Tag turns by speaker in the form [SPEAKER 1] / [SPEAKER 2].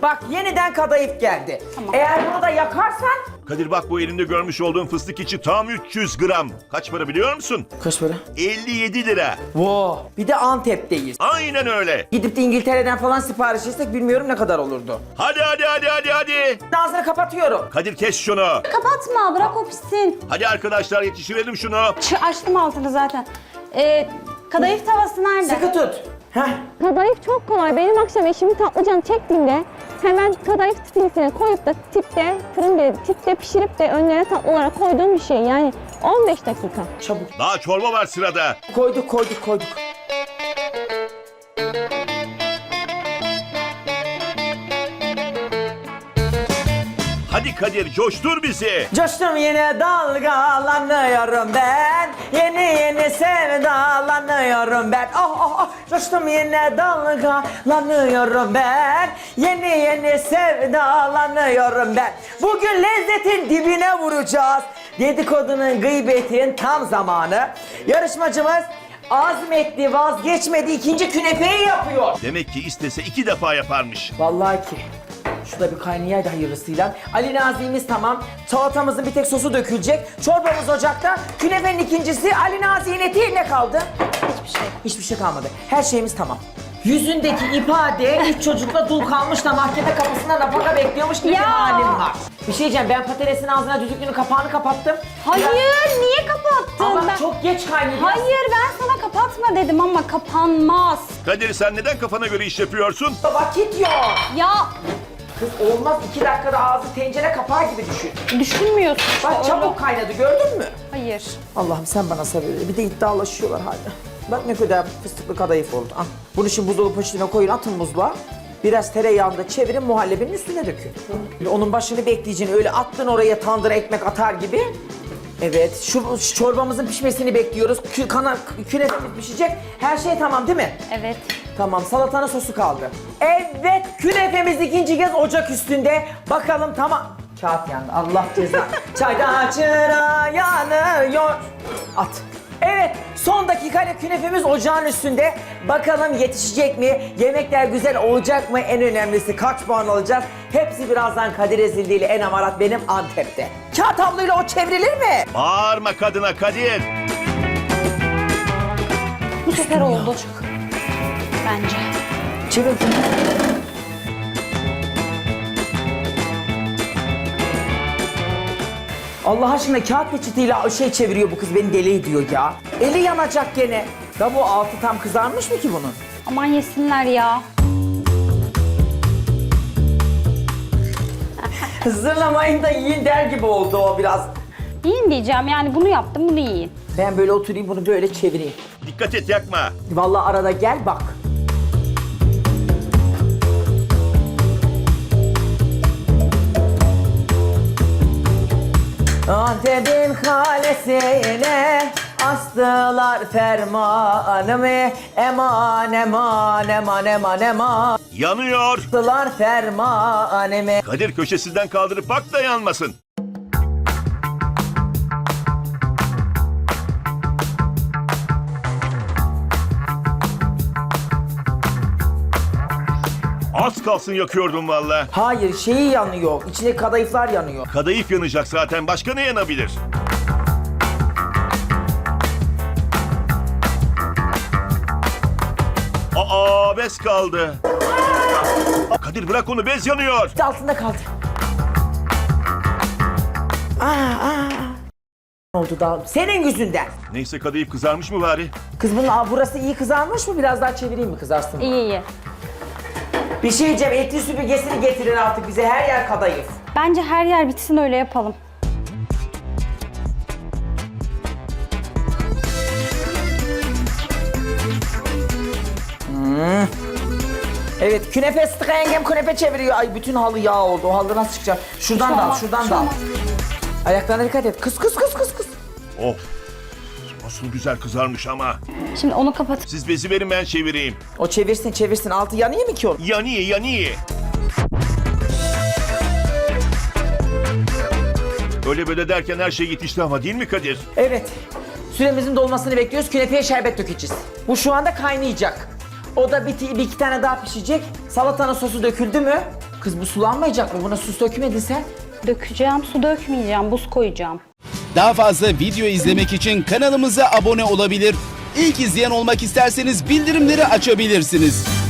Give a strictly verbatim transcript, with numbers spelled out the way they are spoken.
[SPEAKER 1] Bak yeniden kadayıf geldi.
[SPEAKER 2] Tamam.
[SPEAKER 1] Eğer bunu da yakarsan...
[SPEAKER 3] Kadir bak bu elimde görmüş olduğum fıstık içi tam üç yüz gram. Kaç para biliyor musun?
[SPEAKER 1] Kaç para?
[SPEAKER 3] elli yedi lira.
[SPEAKER 1] Wow. Bir de Antep'teyiz.
[SPEAKER 3] Aynen öyle.
[SPEAKER 1] Gidip de İngiltere'den falan sipariş etsek bilmiyorum ne kadar olurdu.
[SPEAKER 3] Hadi hadi hadi hadi hadi.
[SPEAKER 1] Ağzını kapatıyorum.
[SPEAKER 3] Kadir kes şunu.
[SPEAKER 2] Kapatma, bırak o pişsin.
[SPEAKER 3] Hadi arkadaşlar yetiştirelim şunu.
[SPEAKER 2] Ç açtım altını zaten. Ee, kadayıf tavası nerede?
[SPEAKER 1] Sıkı tut. Heh.
[SPEAKER 4] Kadayıf çok kolay. Benim akşam eşimi tatlıcan çektiğimde hemen kadayıf stilisine koyup da tipte, fırın değil, tipte pişirip de önlerine tatlı olarak koyduğum bir şey. Yani on beş dakika.
[SPEAKER 1] Çabuk.
[SPEAKER 3] Daha çorba var sırada.
[SPEAKER 1] Koyduk koyduk koyduk.
[SPEAKER 3] Hadi Kadir coştur bizi.
[SPEAKER 1] Coştum yine dalgalanıyorum ben. Yeni yeni sevdalanıyorum ben. Oh oh oh. Coştum yine dalgalanıyorum ben. Yeni yeni sevdalanıyorum ben. Bugün lezzetin dibine vuracağız. Dedikodunun, gıybetin tam zamanı. Yarışmacımız azmetti, vazgeçmedi, ikinci künefeyi yapıyor.
[SPEAKER 3] Demek ki istese iki defa yaparmış.
[SPEAKER 1] Vallahi ki. Şurada bir kaynayaydı hayırlısıyla. Ali Nazi'miz tamam. Salatamızın bir tek sosu dökülecek. Çorbamız ocakta. Künefenin ikincisi. Ali Nazi'nin eti ne kaldı?
[SPEAKER 2] Hiçbir şey.
[SPEAKER 1] Hiçbir şey kalmadı. Her şeyimiz tamam. Yüzündeki ifade üç çocukla dul kalmış da mahkeme kapısında nafaka bekliyormuş gibi bir
[SPEAKER 2] Ya!
[SPEAKER 1] halim var. Bir şey diyeceğim, ben patatesin ağzına düdüklünün kapağını kapattım.
[SPEAKER 2] Hayır,
[SPEAKER 1] Ya-
[SPEAKER 2] niye kapattın?
[SPEAKER 1] Ama
[SPEAKER 2] Ben-
[SPEAKER 1] çok geç kaynıyor.
[SPEAKER 2] Hayır, ben sana kapatma dedim ama kapanmaz.
[SPEAKER 3] Kadir sen neden kafana göre iş yapıyorsun?
[SPEAKER 1] Vakit yok.
[SPEAKER 2] Ya
[SPEAKER 1] Kız olmaz, iki dakikada ağzı tencere kapağı gibi düşün.
[SPEAKER 2] düşünmüyorsun işte.
[SPEAKER 1] Bak
[SPEAKER 2] öyle.
[SPEAKER 1] çabuk kaynadı, gördün mü?
[SPEAKER 2] Hayır.
[SPEAKER 1] Allah'ım sen bana sabır ver. Bir de iddialaşıyorlar hala. Bak ne kadar fıstıklı kadayıf oldu. Ah. Bunu şimdi buzdolabı poşetine koyun, atın buzluğa. Biraz tereyağında çevirin, muhallebinin üstüne dökün. Böyle onun başını bekleyeceksin. Öyle attın oraya tandıra ekmek atar gibi. Evet, şu, şu çorbamızın pişmesini bekliyoruz. Kü, kana, künefemiz pişecek. Her şey tamam değil mi?
[SPEAKER 2] Evet.
[SPEAKER 1] Tamam, salatanın sosu kaldı. Evet, künefemiz ikinci kez ocak üstünde. Bakalım tamam. Kağıt yandı, Allah ceza. Çayda çıra yanıyor. At. Evet, son dakikayla künefemiz ocağın üstünde. Bakalım yetişecek mi? Yemekler güzel olacak mı? En önemlisi kaç puan alacağız? Hepsi birazdan Kadir Ezildi ile En Amarat benim Antep'te. Kağıt havluyla o çevrilir mi?
[SPEAKER 3] Bağırma kadına Kadir.
[SPEAKER 2] Bu sefer oldu. Bence.
[SPEAKER 1] Çevir. Allah aşkına kağıt peçetiyle şey çeviriyor bu kız, beni deli ediyor ya. Eli yanacak gene. Ya bu altı tam kızarmış mı ki bunun?
[SPEAKER 2] Aman yesinler ya.
[SPEAKER 1] Zırlamayın da yiyin der gibi oldu o biraz.
[SPEAKER 2] Yiyin diyeceğim yani bunu yaptım bunu yiyin.
[SPEAKER 1] Ben böyle oturayım bunu böyle çevireyim.
[SPEAKER 3] Dikkat et yakma.
[SPEAKER 1] Vallahi arada gel bak. Antep'in kalesine astılar fermanımı. Eman eman eman eman eman
[SPEAKER 3] Yanıyor.
[SPEAKER 1] astılar fermanımı.
[SPEAKER 3] Kadir köşesinden kaldırıp bak da yanmasın. Az kalsın yakıyordum valla.
[SPEAKER 1] Hayır, şeyi yanıyor. İçine kadayıflar yanıyor.
[SPEAKER 3] Kadayıf yanacak zaten. Başka ne yanabilir? Aa bez kaldı. Kadir bırak onu, bez yanıyor.
[SPEAKER 1] Altında kaldı. Aa, aa. Ne oldu da? Senin yüzünden.
[SPEAKER 3] Neyse kadayıf kızarmış mı bari?
[SPEAKER 1] Kız bunun aa, burası iyi kızarmış mı? Biraz daha çevireyim mi, kızarsın mı?
[SPEAKER 2] İyi iyi.
[SPEAKER 1] Bir şey diyeceğim, etli süpürgesini getirin artık bize, her yer kadayıf.
[SPEAKER 2] Bence her yer bitsin öyle yapalım.
[SPEAKER 1] Evet, künefe sıkı yengem künefe çeviriyor. Ay bütün halı yağ oldu, o halı nasıl çıkacak? Şuradan
[SPEAKER 2] Şu
[SPEAKER 1] da al,
[SPEAKER 2] olmaz,
[SPEAKER 1] şuradan
[SPEAKER 2] şu
[SPEAKER 1] da al.
[SPEAKER 2] olmaz.
[SPEAKER 1] Ayaklarına dikkat et, kız kız kız kız kız.
[SPEAKER 3] Of. Nasıl güzel kızarmış ama.
[SPEAKER 2] Şimdi onu kapat.
[SPEAKER 3] Siz bezi verin ben çevireyim.
[SPEAKER 1] O çevirsin çevirsin, altı yanıyor mu ki o?
[SPEAKER 3] Yanıyor yanıyor. Öyle böyle derken her şey yetişti ama değil mi Kadir?
[SPEAKER 1] Evet, süremizin dolmasını bekliyoruz, künefeye şerbet dökeceğiz. Bu şu anda kaynayacak. O da bir, bir iki tane daha pişecek. Salatanın sosu döküldü mü? Kız bu sulanmayacak mı? Buna su dökmedin sen.
[SPEAKER 2] Dökeceğim, su dökmeyeceğim, buz koyacağım.
[SPEAKER 5] Daha fazla video izlemek için kanalımıza abone olabilir. İlk izleyen olmak isterseniz bildirimleri açabilirsiniz.